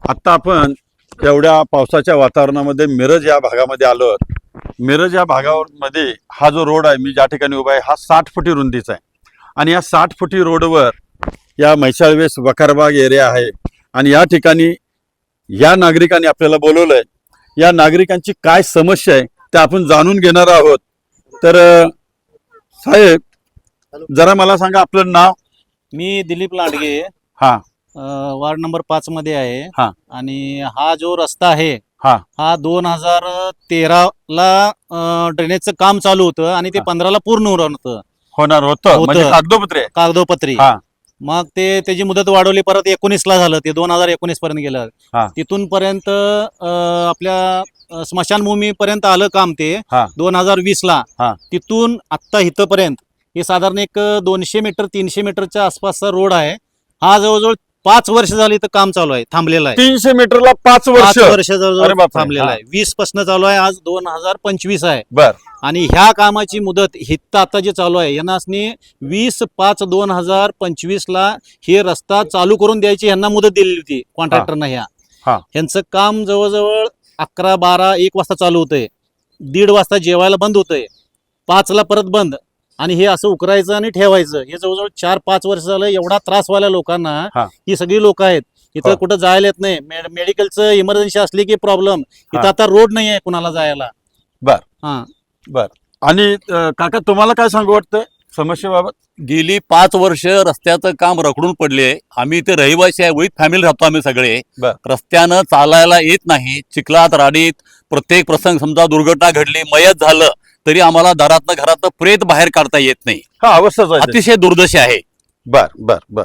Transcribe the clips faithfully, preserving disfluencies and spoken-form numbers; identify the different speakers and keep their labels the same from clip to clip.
Speaker 1: आता आपण एवढ्या पावसाच्या वातावरणामध्ये मिरज या भागामध्ये आलो आहोत. मिरज या भागामध्ये हा जो रोड आहे, मी ज्या ठिकाणी उभा आहे, हा साठ फुटी रुंदीचा आहे. आणि या साठ फुटी रोडवर या म्हैसाळवेस वखारबाग एरिया आहे. आणि या ठिकाणी या नागरिकांनी आपल्याला बोलवलंय. या नागरिकांची काय समस्या आहे ते आपण जाणून घेणार आहोत. तर साहेब, जरा मला सांगा आपलं नाव.
Speaker 2: मी दिलीप लांडगे,
Speaker 1: हा
Speaker 2: वार्ड नंबर पाच मध्ये आहे.
Speaker 1: हा.
Speaker 2: आणि हा जो रस्ता आहे
Speaker 1: हा.
Speaker 2: हा दोन हजार तेरा ला ड्रेनेजचं काम चालू होतं आणि ते
Speaker 1: हा.
Speaker 2: पंधरा ला पूर्ण होतं
Speaker 1: होणार होतं
Speaker 2: होतं.
Speaker 1: म्हणजे कागदोपत्री आहे.
Speaker 2: कागदोपत्री.
Speaker 1: हा.
Speaker 2: मग ते त्याची मुदत वाढवली, परत एकोणीस ला झालं, ते दोन हजार एकोणीस पर्यंत गेलं.
Speaker 1: हा.
Speaker 2: तिथून पर्यंत अं, आपल्या अं, स्मशानभूमी पर्यंत आलं काम ते
Speaker 1: हा.
Speaker 2: दोन हजार वीस ला.
Speaker 1: हा.
Speaker 2: तिथून आत्ता इथपर्यंत हे साधारण एक दोनशे मीटर तीनशे मीटरच्या आसपासचा रोड आहे. हा जवळजवळ पाच वर्ष झाली इथं काम चालू आहे, थांबलेलं आहे.
Speaker 1: तीनशे मीटरला पाच वर्ष
Speaker 2: पाच वर्ष
Speaker 1: अरे
Speaker 2: जवळजवळ
Speaker 1: बापरे.
Speaker 2: थांबलेलं
Speaker 1: हा.
Speaker 2: आहे. वीस पासून चालू आहे, आज दोन हजार पंचवीस आहे.
Speaker 1: बर.
Speaker 2: आणि ह्या कामाची मुदत हित आता जे चालू आहे यांनासनी वीस पाच दोन हजार पंचवीस ला हे रस्ता चालू करून द्यायची यांना मुदत दिलेली होती कॉन्ट्रॅक्टरना. ह्या
Speaker 1: हा.
Speaker 2: यांचं काम जवळजवळ अकरा बारा एक वाजता चालू होतंय, दीड वाजता जेवायला बंद होतंय, पाच ला परत बंद. आणि हे असं उकरायचं आणि ठेवायचं. हे जवळजवळ चार पाच वर्ष झालं. एवढा त्रास व्हायला लोकांना.
Speaker 1: हा.
Speaker 2: ही सगळी लोक आहेत इथं,
Speaker 1: हो.
Speaker 2: कुठं जायला येत नाही. मेडिकलचं इमर्जन्सी असली की प्रॉब्लेम. इथं
Speaker 1: हा.
Speaker 2: आता रोड नाही आहे कुणाला जायला.
Speaker 1: बर.
Speaker 2: हा.
Speaker 1: बर. आणि अं, काका, तुम्हाला काय सांगू वाटतंय समस्येबाबत?
Speaker 3: गेली पाच वर्ष रस्त्याचं काम रखडून पडले. आम्ही इथे रहिवासी आहे, विथ फॅमिली राहतो आम्ही सगळे.
Speaker 1: बर.
Speaker 3: रस्त्यानं चालायला येत नाही. चिखलात राडीत प्रत्येक प्रसंग, समजा दुर्घटना घडली, मयत झालं तरी आम्हाला दारातनं घरातनं प्रेत बाहेर काढता येत नाही.
Speaker 1: हा, अवस्थाच आहे.
Speaker 3: अतिशय दुर्दशा आहे.
Speaker 1: बर बर बर.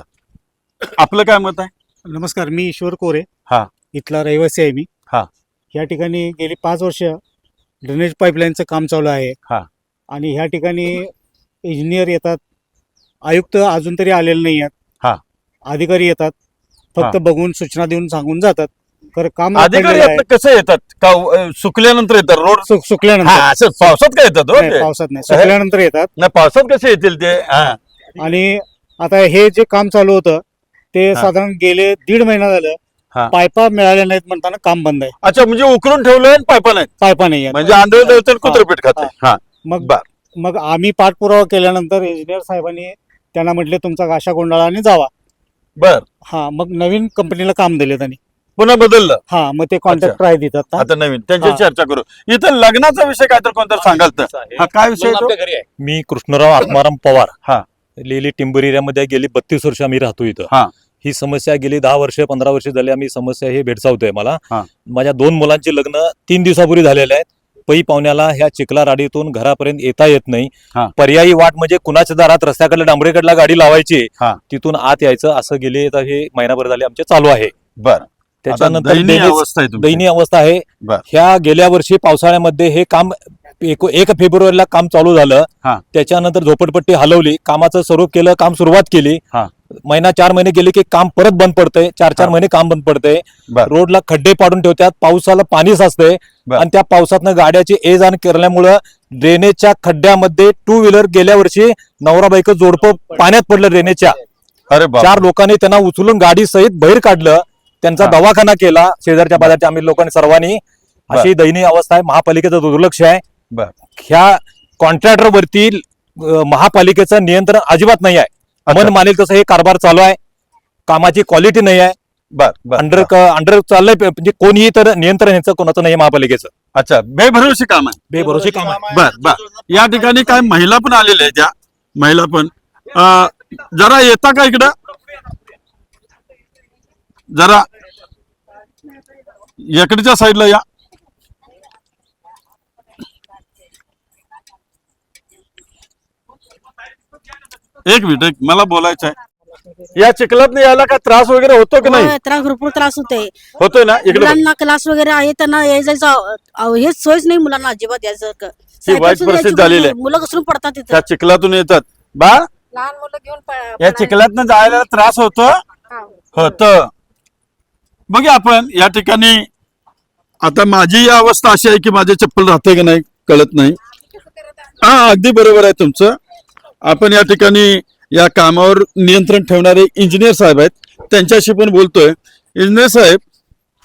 Speaker 1: आपलं काय मत आहे?
Speaker 4: नमस्कार, मी ईश्वर कोरे.
Speaker 1: हा.
Speaker 4: इथला रहिवासी आहे मी.
Speaker 1: हा.
Speaker 4: या ठिकाणी गेली पाच वर्ष ड्रेनेज पाईपलाईनचं काम चालू आहे.
Speaker 1: हा. आणि
Speaker 4: ह्या ठिकाणी इंजिनियर येतात, आयुक्त अजून तरी आलेले नाही आहेत.
Speaker 1: हा.
Speaker 4: अधिकारी येतात, फक्त
Speaker 1: हा.
Speaker 4: बघून सूचना देऊन सांगून जातात. तर काम
Speaker 1: अधिकारी
Speaker 4: रखडलेलं आहे.
Speaker 1: आपलं कसं येतात? का अं, सुकल्यानंतर येतात रोड?
Speaker 4: सुक- सुकल्यानंतर.
Speaker 1: हा, असं पावसात काय येतात हो
Speaker 4: नाही,
Speaker 1: ते?
Speaker 4: पावसात नाही, सुकल्यानंतर येतात.
Speaker 1: नाही, पावसात कसे येतील ते? हा.
Speaker 4: आणि आता हे जे काम चालू होतं ते
Speaker 1: हा.
Speaker 4: साधारण गेले दीड महिना
Speaker 1: हा.
Speaker 4: झालं, पायपा मिळाल्या नाहीत म्हणताना काम बंद आहे.
Speaker 1: अच्छा, म्हणजे उकरून ठेवलंय आणि पायपा नाही,
Speaker 4: पायपा नाही आहेत.
Speaker 1: म्हणजे आंधळ तर कुत्रपीठ खाते. हा.
Speaker 4: मग
Speaker 1: बर.
Speaker 4: मग आम्ही पाठपुरावा केल्यानंतर इंजिनियर साहेबांनी त्यांना म्हटले तुमचा गाशा गोंधळाने जावा.
Speaker 1: बर.
Speaker 4: हा, मग नवीन कंपनीला काम दिले त्यांनी.
Speaker 1: पुन्हा बदललं
Speaker 4: हा, मग ते कॉन्ट्रॅक्टर आहे तिथं.
Speaker 1: आता नवीन. त्यांची
Speaker 4: हा.
Speaker 1: चर्चा करू. इथं लग्नाचा विषय काय तर कोणतं सांगाल तर? हा, काय विषय आहे तो?
Speaker 3: आपल्या घरी आहे.
Speaker 5: मी कृष्णराव आत्माराम पवार.
Speaker 1: हा.
Speaker 5: लेली टिंबर एरियामध्ये गेली बत्तीस वर्ष आम्ही राहतो इथं.
Speaker 1: हा.
Speaker 5: ही समस्या गेली दहा वर्ष पंधरा वर्ष झाली आम्ही समस्या हे भेडसावतोय मला.
Speaker 1: हा.
Speaker 5: माझ्या दोन मुलांची लग्न तीन दिवसापूर्वी झालेले आहेत. पै पाहुण्याला ह्या चिखला राडीतून घरापर्यंत येता येत नाही.
Speaker 1: हा.
Speaker 5: पर्यायी वाट म्हणजे कुणाच्या दारात रस्त्याकडे डांबरेकडला गाडी लावायची,
Speaker 1: हा.
Speaker 5: तिथून आत यायचं, असं गेले आता हे महिनाभर झाले आमचे चालू आहे.
Speaker 1: बर.
Speaker 5: त्याच्यानंतर
Speaker 1: आता दयनीय
Speaker 5: ड्रेनेज-
Speaker 1: अवस्था आहे तुमची.
Speaker 5: दयनीय अवस्था आहे.
Speaker 1: बर.
Speaker 5: ह्या गेल्या वर्षी पावसाळ्यामध्ये हे काम एक एक फेब्रुवारीला काम चालू झालं.
Speaker 1: हा.
Speaker 5: त्याच्यानंतर झोपडपट्टी हलवली, कामाचं स्वरूप केलं, काम सुरुवात केली.
Speaker 1: हा.
Speaker 5: महिना चार महिने गेले की काम परत बंद पडतंय, चार चार
Speaker 1: हा.
Speaker 5: महिने काम बंद पडतंय.
Speaker 1: बर.
Speaker 5: रोडला खड्डे पाडून ठेवतात, पावसाला पाणी साचतंय.
Speaker 1: बर.
Speaker 5: आणि त्या पावसातनं गाड्याची ये जाण केल्यामुळं ड्रेनेजच्या खड्ड्यामध्ये टू व्हीलर गेल्या वर्षी नवरा बायको जोडपं पाण्यात पडलं ड्रेनेजच्या.
Speaker 1: अरे बाप.
Speaker 5: चार लोकांनी त्यांना उचलून गाडी सहित बाहेर काढलं, त्यांचा
Speaker 1: हा.
Speaker 5: दवाखाना केला शेजारच्या बाजारच्या आम्ही लोकांनी सर्वांनी. अशी दयनीय अवस्था आहे. महापालिकेचं दुर्लक्ष आहे.
Speaker 1: बर.
Speaker 5: ह्या कॉन्ट्रॅक्टर वरती अं, महापालिकेचं नियंत्रण अजिबात नाही आहे.
Speaker 1: अच्छा.
Speaker 5: मन मानेल तसं हे कारभार चालू आहे. कामाची क्वालिटी नाही आहे.
Speaker 1: बर. बर.
Speaker 5: अंडर अंडर चाललंय, म्हणजे कोणीही तर नियंत्रण ह्याचं कोणाचं नाही आहे महापालिकेचं.
Speaker 1: अच्छा, बेभरवशी काम आहे.
Speaker 5: बेभरोशी काम आहे.
Speaker 1: बर बर. या ठिकाणी काय महिला पण आलेल्या आहेत. त्या महिला पण अं, जरा येता का इकडं? जरा इकडच्या साईडला या. एक मिनिट, एक मला बोलायचं आहे. या चिखलात यायला काय त्रास वगैरे होतो की नाही?
Speaker 6: होय, त्रास भरपूर त्रास होतोय.
Speaker 1: होतोय ना? इकडे बघ.
Speaker 6: मुलांना क्लास वगैरे आहे, त्यांना यायचं हेच सोयच नाही मुलांना अजिबात यायचं.
Speaker 1: ही वाईट परिस्थिती झालेली आहे.
Speaker 6: मुलं घसरून पडतात तिथे.
Speaker 1: त्या चिखलातून येतात. बा,
Speaker 6: लहान मुलं घेऊन
Speaker 1: या चिखलातनं जायला त्रास होतो होत. बघ आपण या ठिकाणी आता माझी अवस्था अशी आहे की माझे चप्पल राहते की नाही कळत नाही. हा, अगदी बरोबर आहे तुमचं. आपण या ठिकाणी या कामावर नियंत्रण ठेवणारे इंजिनियर साहेब आहेत, त्यांच्याशी पण बोलतोय. इंजिनियर साहेब,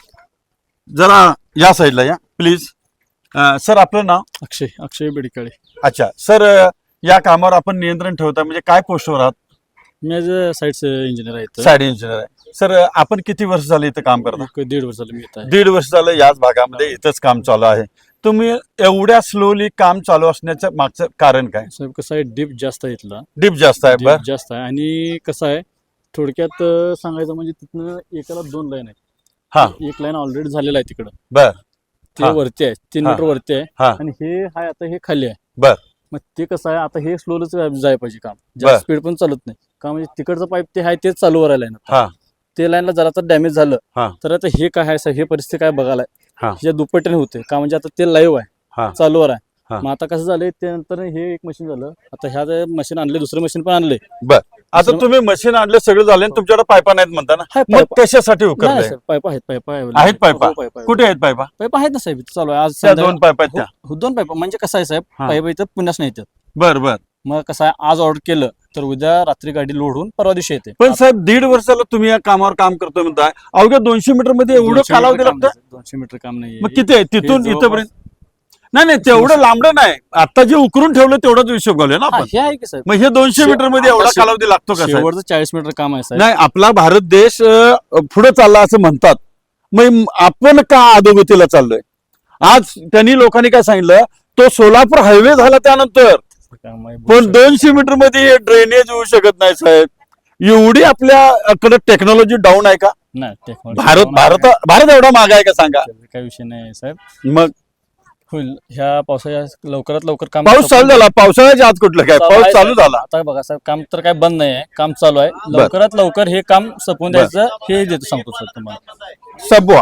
Speaker 1: जरा या साईडला या प्लीज. सर आपलं नाव?
Speaker 7: अक्षय अक्षय बेडकाळे.
Speaker 1: अच्छा सर, या कामावर आपण नियंत्रण ठेवता म्हणजे काय पोस्टवर आहात?
Speaker 7: मी ॲज अ साईट्स इंजिनियर आहे.
Speaker 1: साईड इंजिनियर आहे. सर आपण किती वर्ष झाले इथं काम करता?
Speaker 7: एक दीड वर्ष झालं मी येत आहे.
Speaker 1: दीड वर्ष झालं याच भागामध्ये इथंच काम चालू आहे. तुम्ही एवढ्या स्लोली काम चालू असण्याचं मागचं कारण काय?
Speaker 7: साहेब कसं आहे, डीप जास्त आहे इथला.
Speaker 1: डीप जास्त आहे. बर
Speaker 7: डीप जास्त आहे आणि कसं आहे थोडक्यात अं, सांगायचं म्हणजे तिथनं एकाला दोन लाईन आहे.
Speaker 1: हा.
Speaker 7: एक लाईन ऑलरेडी झालेला आहे तिकडं,
Speaker 1: बर
Speaker 7: ते
Speaker 1: हा.
Speaker 7: वरती आहे, तीन
Speaker 1: हा.
Speaker 7: मीटर वरती आहे.
Speaker 1: हा.
Speaker 7: आणि हे आहे आता हे खाली आहे.
Speaker 1: बर.
Speaker 7: मग ते कसं आहे आता हे स्लोच जायला पाहिजे काम,
Speaker 1: बर.
Speaker 7: जास्त स्पीड पण चालत नाही का, म्हणजे तिकडचं पाईप ते आहे तेच चालू करायला आहे
Speaker 1: हा.
Speaker 7: ना. ते लाईनला जरा तर डॅमेज
Speaker 1: हा.
Speaker 7: झालं तर आता हे काय आहे साहेब, हे परिस्थिती काय बघायला
Speaker 1: हा.
Speaker 7: आहे दुप्पटीने होते का, म्हणजे आता ते लाईव्ह
Speaker 1: हा.
Speaker 7: आहे, चालूवर आहे.
Speaker 1: हा.
Speaker 7: मग आता कसं झालंय त्यानंतर हे एक मशीन झालं, आता ह्या मशीन आणले, दुसरं मशीन पण आणले.
Speaker 1: बर. आता तुम्ही मशीन आणलं सगळं झालं आणि तुमच्याकडे पायपा नाहीत म्हणता ना,
Speaker 7: हाय
Speaker 1: मग
Speaker 7: पाईप.
Speaker 1: कशासाठी
Speaker 7: नाही
Speaker 1: उकरताय?
Speaker 7: सर, पाईप आहेत, पाईप
Speaker 1: आहेत पाईपा? कुठे आहेत पायपा?
Speaker 7: पाईप आहेत ना साहेब, इथं चालू आहे आज
Speaker 1: त्या
Speaker 7: संध्याकाळी-
Speaker 1: दोन पायपा आहेत त्या?
Speaker 7: हो, दोन पाईप. म्हणजे कसं आहे साहेब,
Speaker 1: हा.
Speaker 7: पाईप इथं पुण्यास नाही येतात.
Speaker 1: बर बर.
Speaker 7: मग कसं आहे आज ऑर्डर केलं तर उद्या रात्री गाडी लोड होऊन परवा दिवशी येते.
Speaker 1: पण साहेब दीड वर्षाला तुम्ही या कामावर काम करतोय म्हणताय, अवघ्या दोनशे मीटर मध्ये एवढं
Speaker 7: दोनशे
Speaker 1: कालावधी
Speaker 7: मीटर काम
Speaker 1: लागतं?
Speaker 7: नाही, दोनशे मीटर काम नाही.
Speaker 1: मग किती आहे तिथून
Speaker 7: जवळपास-
Speaker 1: इथपर्यंत? नाही नाही तेवढं लांबडं नाही, आता जे उकरून ठेवलं तेवढाच हिशोब घालूया ना
Speaker 7: हा,
Speaker 1: आपण.
Speaker 7: हे आहे की साहेब,
Speaker 1: मग हे दोनशे
Speaker 7: शे-
Speaker 1: मीटर मध्ये एवढा
Speaker 7: आता शे-
Speaker 1: कालावधी लागतो का साहेब?
Speaker 7: शेवटचं चाळीस मीटर काम आहे साहेब.
Speaker 1: नाही, आपला भारत देश अं, पुढे चालला असं म्हणतात, मग आपण का अधोगतीला चाललोय? आज त्यांनी लोकांनी काय सांगितलं, तो सोलापूर हायवे झाला त्यानंतर,
Speaker 7: काम आहे,
Speaker 1: पण दोनशे मीटर मध्ये ड्रेनेज होऊ शकत नाही साहेब. एवढी आपल्याकडे टेक्नॉलॉजी डाऊन आहे का?
Speaker 7: नाही technology
Speaker 1: भारत
Speaker 7: down
Speaker 1: भारत
Speaker 7: आहे.
Speaker 1: भारत एवढा माग आहे का सांगा?
Speaker 7: त्याचा काही विषय नाही साहेब,
Speaker 1: मग
Speaker 7: होईल ह्या पावसाच्या लवकरात लवकर काम
Speaker 1: पाऊस चालू झाला, पावसाळ्याच्या आत कुठलं काय,
Speaker 7: चालू
Speaker 1: पाऊस
Speaker 7: आहे
Speaker 1: चालू
Speaker 7: साहेब.
Speaker 1: झाला.
Speaker 7: आता बघा साहेब, काम तर काय बंद नाही आहे, काम चालू आहे. लवकरात लवकर हे काम संपवून
Speaker 1: बर.
Speaker 7: द्यायचं हे देतो, सांगतो सर तुम्हाला.
Speaker 1: सबवा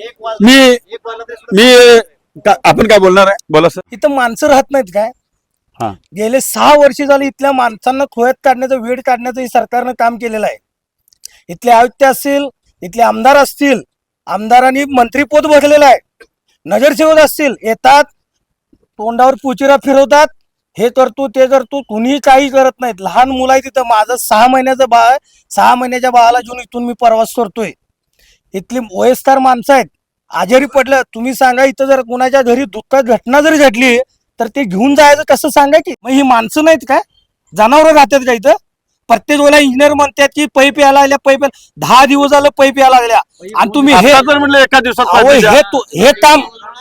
Speaker 1: मी मी का- आपण काय बोलणार आहे? बोला सर.
Speaker 8: इथं माणसं राहत नाहीत काय?
Speaker 1: हा.
Speaker 8: गेले सहा वर्ष झाली इथल्या माणसांना खोयात काढण्याचं, वेळ काढण्याचं हे सरकारनं काम केलेलं आहे. इथले आयुक्त असतील, इथले आमदार असतील, आमदारांनी मंत्रीपद बसलेलं आहे, नगरसेवक असतील, येतात तोंडावर पुचिरा फिरवतात, हे करतो ते करतो, कुणीही काही करत नाहीत. लहान मुलं आहे तिथं, माझं सहा महिन्याचं बाळ आहे, सहा महिन्याच्या बाळाला घेऊन इथून मी प्रवास करतोय. इथली वयस्कर माणसं आहेत, आजारी पडलं, तुम्ही सांगा इथं जर कुणाच्या घरी दुःखात घटना जरी घडली तर ते घेऊन जायचं कसं सांगा की? मग ही माणसं नाहीत काय? जनावर राहतात का इथं? प्रत्येक वेळेला इंजिनियर म्हणतात की पैप यायला लागल्या, पैप दहा दिवस झालं पैप यायला लागल्या, आणि तुम्ही हे
Speaker 1: आता जर म्हणलं एका दिवसात
Speaker 8: अहो
Speaker 1: पाहिजे
Speaker 8: हे तु- हे काम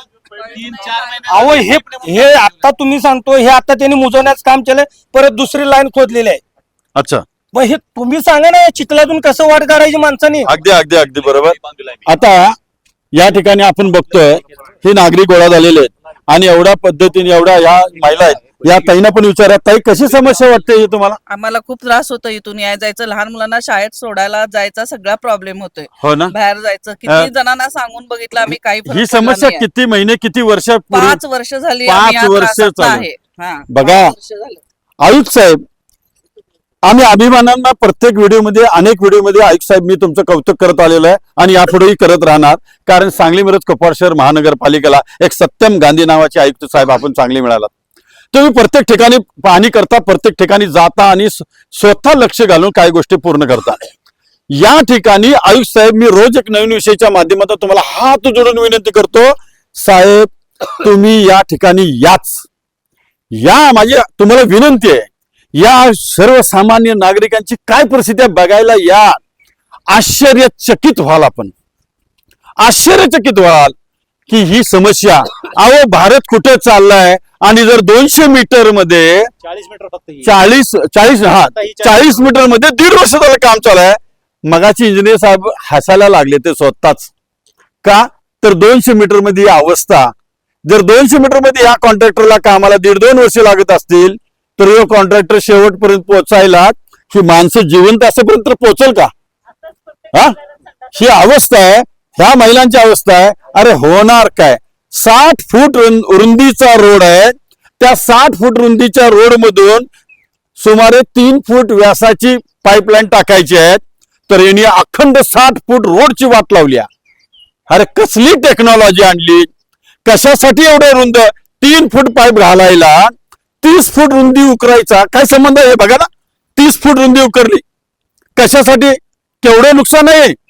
Speaker 8: अहो हे हे आता तुम्ही सांगतो, हे आता त्यांनी मुजवण्याचं काम केलंय, परत दुसरी लाईन खोदलेली आहे.
Speaker 1: अच्छा,
Speaker 8: मग हे तुम्ही सांगा ना, या चिखलातून कसं वाट काढायची माणसानी?
Speaker 1: अगदी अगदी अगदी बरोबर. आता या ठिकाणी आपण बघतोय हे नागरिक गोळा झालेले आहेत आणि एवढ्या पद्धतीने एवढ्या या महिला आहेत, या ताईंना पण विचारा, ताई कशी समस्या वाटते ही तुम्हाला?
Speaker 9: आम्हाला खूप त्रास होतो, इथून याय जायचं, लहान मुलांना शाळेत सोडायला जायचा सगळा प्रॉब्लेम होतोय.
Speaker 1: हो ना,
Speaker 9: बाहेर जायचं,
Speaker 1: अं,
Speaker 9: किती जणांना सांगून बघितलं आम्ही, काही फरक
Speaker 1: ही
Speaker 9: पडला
Speaker 1: समस्या
Speaker 9: नाहीये.
Speaker 1: किती महिने किती वर्षापूर्वी?
Speaker 9: पाच वर्ष झाली
Speaker 1: पाच
Speaker 9: आम्ही या
Speaker 1: वर्ष
Speaker 9: त्रासात
Speaker 1: चालू.
Speaker 9: आहे. हा,
Speaker 1: बघा.
Speaker 9: पाच वर्ष झालं.
Speaker 1: आयुक्त साहेब, आम्ही अभिमानांना प्रत्येक व्हिडिओमध्ये अनेक व्हिडिओमध्ये आयुक्त साहेब मी तुमचं कौतुक करत आलेलो आहे आणि यापुढेही करत राहणार, कारण सांगली मिरज कोपवाड शहर महानगरपालिकेला एक सत्यम गांधी नावाचे आयुक्त साहेब आपण चांगले मिळालात. तुम्ही प्रत्येक ठिकाणी पाहणी करता, प्रत्येक ठिकाणी जाता आणि स्वतः लक्ष घालून काही गोष्टी पूर्ण करता. या ठिकाणी आयुक्त साहेब मी रोज एक नवीन विषयाच्या माध्यमातून तुम्हाला हात जोडून विनंती करतो, साहेब तुम्ही या ठिकाणी याच या माझी तुम्हाला विनंती आहे, या सर्वसामान्य नागरिकांची काय परिस्थिती आहे बघायला या. आश्चर्यचकित व्हाल, आपण आश्चर्यचकित व्हाल की ही समस्या, अहो भारत कुठे चाललाय आणि जर दोनशे मीटर मध्ये
Speaker 2: चाळीस मीटर फक्त ही.
Speaker 1: चाळीस चाळीस हा
Speaker 2: आता ही चाळीस-
Speaker 1: चाळीस मीटर मध्ये दीड वर्ष झालं काम चालू आहे. मगाची इंजिनियर साहेब हसायला लागले ते स्वतःच का, तर दोनशे मीटर मध्ये ही अवस्था, जर दोनशे मीटर मध्ये या कॉन्ट्रॅक्टरला कामाला दीड दोन वर्ष लागत असतील तर हे कॉन्ट्रॅक्टर शेवटपर्यंत पोहोचायला ही माणसं जिवंत असेपर्यंत पोहोचल का? हा, ही अवस्था आहे, ह्या महिलांची अवस्था आहे. अरे होणार काय? साठ फूट रुंदीचा रोड आहे, त्या साठ फूट रुंदीच्या रोड मधून सुमारे तीन फूट व्यासाची पाईपलाईन टाकायची आहे, तर यांनी अखंड साठ फूट रोडची वाट लावली. अरे कसली टेक्नॉलॉजी आणली? कशासाठी एवढं रुंद तीन फूट पाईप घालायला तीस फूट रुंदी उकरायचा काय संबंध आहे? बघा ना, तीस फूट रुंदी उकरली कशासाठी? केवढं नुकसान आहे.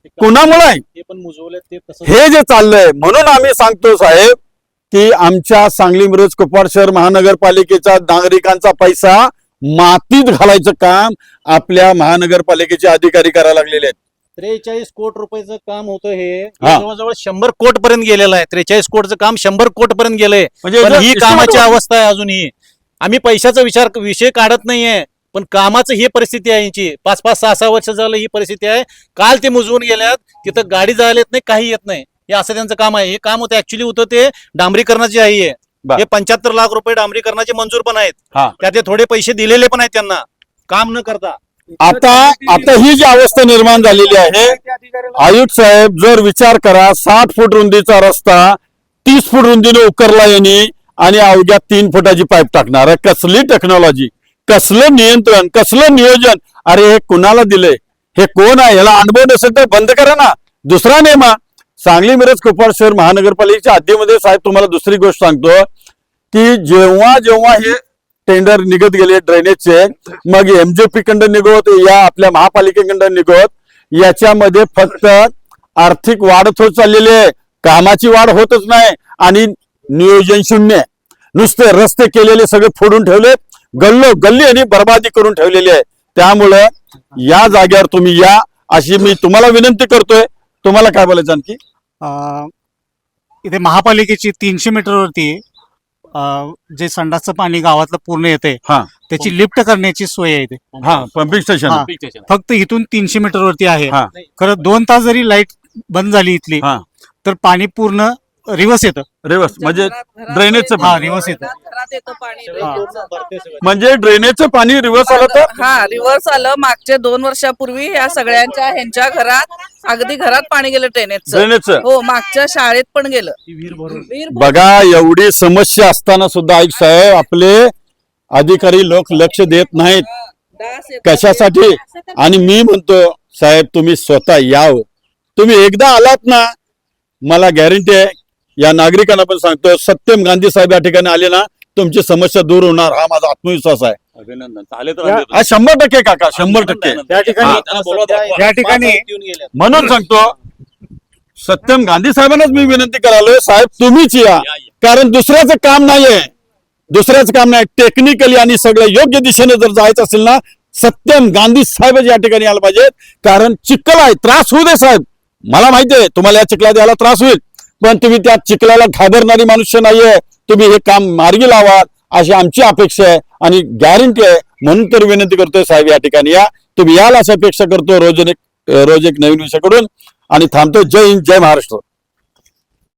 Speaker 1: कुणामुळे आहे
Speaker 2: ते पण मुजवले ते तसं
Speaker 1: हे जे चाललंय. म्हणून आम्ही सांगतो साहेब की आमच्या सांगली मिरज कुपवाड शहर महानगरपालिकेचा नागरिकांचा पैसा मातीत घालायचं काम आपल्या महानगरपालिकेचे अधिकारी करायला लागलेले आहेत.
Speaker 2: त्रेचाळीस कोटी रुपयाचं काम होतं हे
Speaker 1: हा.
Speaker 2: जवळजवळ शंभर कोट पर्यंत गेलेलं आहे. त्रेचाळीस कोटचं काम शंभर कोट पर्यंत गेलंय.
Speaker 1: म्हणजे
Speaker 2: पण
Speaker 1: जर
Speaker 2: ही
Speaker 1: estimate
Speaker 2: कामाची
Speaker 1: वर-
Speaker 2: अवस्था आहे अजूनही. आम्ही पैशाचा विचार विषय काढत नाहीये, पण कामाचं ही परिस्थिती आहे यांची. पाच पाच सहा सहा वर्ष झालं ही परिस्थिती आहे. काल ते मुजवून गेल्यात, तिथं गाडी जायला येत नाही, काही येत नाही. हे असं त्यांचं काम आहे. हे काम होतं ऍक्च्युली होतं ते डांबरीकरणाचे आहे.
Speaker 1: बर.
Speaker 2: हे पंच्याहत्तर लाख रुपये डांबरीकरणाचे मंजूर पण आहेत.
Speaker 1: हा.
Speaker 2: त्यात ते थोडे पैसे दिलेले पण आहेत त्यांना काम न करता.
Speaker 1: आता आता ही जी अवस्था निर्माण झालेली आहे, आयुक्त साहेब जर विचार करा, साठ फूट रुंदीचा रस्ता तीस फूट रुंदीने उकरला यांनी आणि अवघ्या तीन फुटाची पाईप टाकणार आहे. कसली टेक्नॉलॉजी, कसलं नियंत्रण, कसलं नियोजन. अरे हे कुणाला दिलंय, हे कोण आहे, याला अनुभव नसेल तर बंद करा ना, दुसरा नेमा. सांगली मिरज कुपवाड शहर महानगरपालिकेच्या हद्दीमध्ये साहेब तुम्हाला दुसरी गोष्ट सांगतो की जेव्हा जेव्हा हे टेंडर निघत गेले ड्रेनेजचे, मग एमजेपी कंड निघत या आपल्या महापालिकेकडं निघत, याच्यामध्ये फक्त आर्थिक वाढ होत चाललेली आहे, कामाची वाढ होतच नाही आणि नियोजन शून्य. नुसते रस्ते केलेले सगळे फोडून ठेवले, गल्लो गल्ली आणि बर्बादी करून ठेवलेली आहे. त्यामुळं या जागेवर तुम्ही या अशी मी तुम्हाला विनंती करतोय. तुम्हाला काय बोलायचं आणखी?
Speaker 4: अं, इथे महापालिकेची तीनशे मीटरवरती अं, जे संडासचं पाणी गावातलं पूर्ण येते
Speaker 1: हा.
Speaker 4: त्याची लिफ्ट करण्याची सोय आहे इथे.
Speaker 1: हा, पंपिंग स्टेशन.
Speaker 4: हा. फक्त इथून तीनशे मीटरवरती आहे.
Speaker 1: हा.
Speaker 4: खरं दोन तास जरी लाईट बंद झाली इथली
Speaker 1: हा.
Speaker 4: तर पाणी पूर्ण रिवर्स येतं.
Speaker 1: रिवर्स म्हणजे
Speaker 9: घरात- घरात
Speaker 1: ड्रेनेजचं
Speaker 9: येतं,
Speaker 4: पाणी. हा, रिवर्स येतं.
Speaker 9: घरात- घरात येतं पाणी
Speaker 4: हा.
Speaker 9: ड्रेनेजचं.
Speaker 1: म्हणजे ड्रेनेजचं पाणी रिवर्स आलं तर
Speaker 9: हा रिव्हर्स आलं. मागच्या दोन वर्षापूर्वी या सगळ्यांच्या ह्यांच्या घरात अगदी घरात पाणी गेलं ड्रेनेजचं.
Speaker 1: ड्रेनेजचं.
Speaker 9: हो मागच्या शाळेत पण गेलं.
Speaker 2: विहीर भरून
Speaker 9: विहीर
Speaker 1: बघा, एवढी समस्या असताना सुद्धा ऐक साहेब आपले अधिकारी लोक लक्ष देत नाहीत.
Speaker 9: डास येतात.
Speaker 1: कशासाठी? आणि मी म्हणतो साहेब तुम्ही स्वतः याव. तुम्ही एकदा आलात ना, मला गॅरंटी आहे, या नागरिकांना पण सांगतो, सत्यम गांधी साहेब या ठिकाणी आले ना तुमची समस्या दूर होणार, हा माझा आत्मविश्वास आहे.
Speaker 3: अभिनंदन. चालेल तर
Speaker 4: या-
Speaker 3: आम्ही-
Speaker 1: हा शंभर टक्के काका, शंभर टक्के.
Speaker 4: त्या ठिकाणी
Speaker 1: हा.
Speaker 3: त्यांना बोलवा दाखवा.
Speaker 4: या ठिकाणी
Speaker 2: येऊन गेल्यात.
Speaker 1: म्हणून सांगतो सत्यम गांधी साहेबांनाच मी विनंती करालोय, साहेब तुम्हीच या, कारण दुसऱ्याचं काम नाहीये, दुसऱ्याचं काम नाही. टेक्निकली आणि सगळं योग्य दिशेने जर जायचं असेल ना, सत्यम गांधी साहेब या ठिकाणी आलं पाहिजेत. कारण चिखल आहे, त्रास होऊ दे साहेब, मला माहिती आहे तुम्हाला या चिखला द्यायला त्रास होईल, पण तुम्ही त्या चिखलाला घाबरणारी मनुष्य नाहीये. तुम्ही हे काम मार्गी लावा अशी आमची अपेक्षा आहे आणि गॅरंटी आहे. म्हणून तर विनंती करतोय साहेब या ठिकाणी या, तुम्ही याल अशी अपेक्षा करतो. रोज एक रोज एक नवीन विषयाकडून आणि थांबतो. जय हिंद, जय महाराष्ट्र.